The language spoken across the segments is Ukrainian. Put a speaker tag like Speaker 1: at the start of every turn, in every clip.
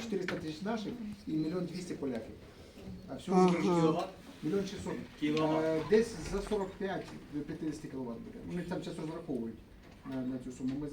Speaker 1: 400 тисяч наших і 1 200 000 поляків. А всього
Speaker 2: Ага.
Speaker 1: кіловат? 1 600 000.
Speaker 3: Кіловат.
Speaker 1: Десь за 45 до 50 кВт буде. Вони там зараз розраховують на цю суму. Ми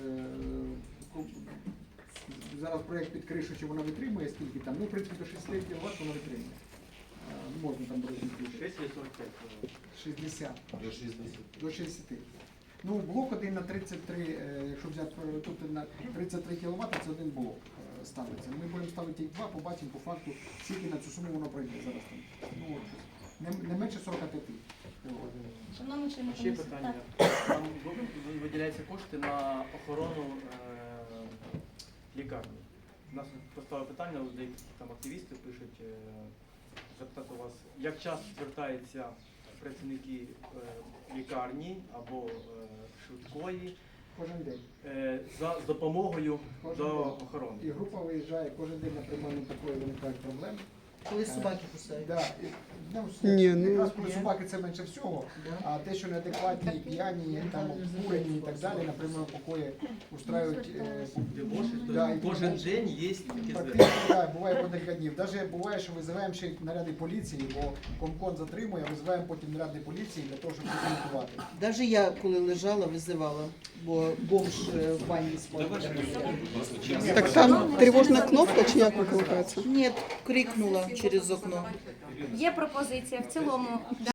Speaker 1: зараз проєкт під кришу, чи вона витримує, скільки там. Ну, в принципі, до 60 кВт вона витримує. Можна там розмістити.
Speaker 3: 6 чи 45?
Speaker 1: 60.
Speaker 4: До 60.
Speaker 1: До 60. Ну, блок один на 33, якщо взяти тут на 33 кВт, це один блок ставиться. Ми будемо ставити їх два, побачимо по факту, скільки на цю суму воно пройде зараз. Ну, не менше 45 кВт.
Speaker 5: Шановні члени
Speaker 3: Ще
Speaker 5: комісії,
Speaker 3: питання.
Speaker 5: так.
Speaker 3: Там виділяються кошти на охорону лікарні. У нас поставили питання, деякі там активісти пишуть, запитати у вас, як часто звертаються працівники лікарні або швидкої
Speaker 1: Кожен день.
Speaker 3: з допомогою до охорони.
Speaker 1: І група виїжджає кожен день на приймальну такої виникають проблем.
Speaker 6: Коли собаки кусають.
Speaker 1: Да.
Speaker 2: Ні,
Speaker 1: Якраз
Speaker 2: ну,
Speaker 1: коли собаки це менше всього, а те, що неадекватні, п'яні, там обкурені і так далі, на приймальному покої устраюють.
Speaker 3: Дебоші,
Speaker 1: Да, і
Speaker 3: кожен
Speaker 1: тому-
Speaker 3: день є такі
Speaker 1: Практично,
Speaker 3: звернення.
Speaker 1: так, буває по декілька днів. Навіть буває, що визиваємо ще наряди поліції, бо комкон затримує, а визиваємо потім наряди поліції для того, щоб документувати.
Speaker 6: Навіть я, коли лежала, визивала, бо бомж в ванні спав.
Speaker 2: Так там тривожна кнопка чи як викликається?
Speaker 6: Ні, крикнула через окно.
Speaker 5: Є пропозиція в цілому